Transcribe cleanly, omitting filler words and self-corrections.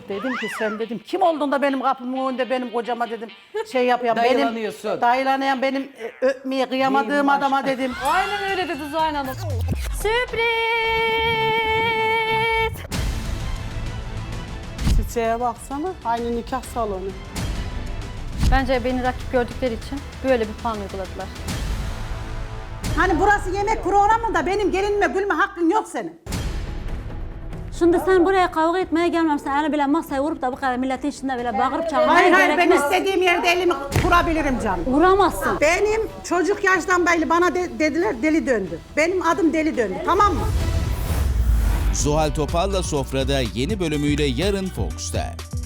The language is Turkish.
Dedim ki sen dedim kim oldun da benim kapımın önünde benim kocama dedim şey yapıyorum. Dayılanıyorsun. Dayılanan benim öpmeye kıyamadığım Neyim adama dedim. Aynen öyle dedi Zuhal Hanım. Sürpriz! Çiçeğe baksana. Aynı nikah salonu. Bence beni rakip gördükleri için böyle bir puan uyguladılar. Hani burası yemek programı da benim gelinime gülme hakkın yok senin. Şimdi sen buraya kavga etmeye gelmemişsin. Yani bile masaya vurup da bu kadar milletin içinde böyle bağırıp çağırmaya Hayır hayır ben gerekmez. istediğim yerde elimi kurabilirim canım. Vuramazsın. Benim çocuk yaştan beri bana dediler deli döndü. Benim adım deli döndü tamam mı? Zuhal Topal'la Sofra'da yeni bölümüyle yarın Fox'ta.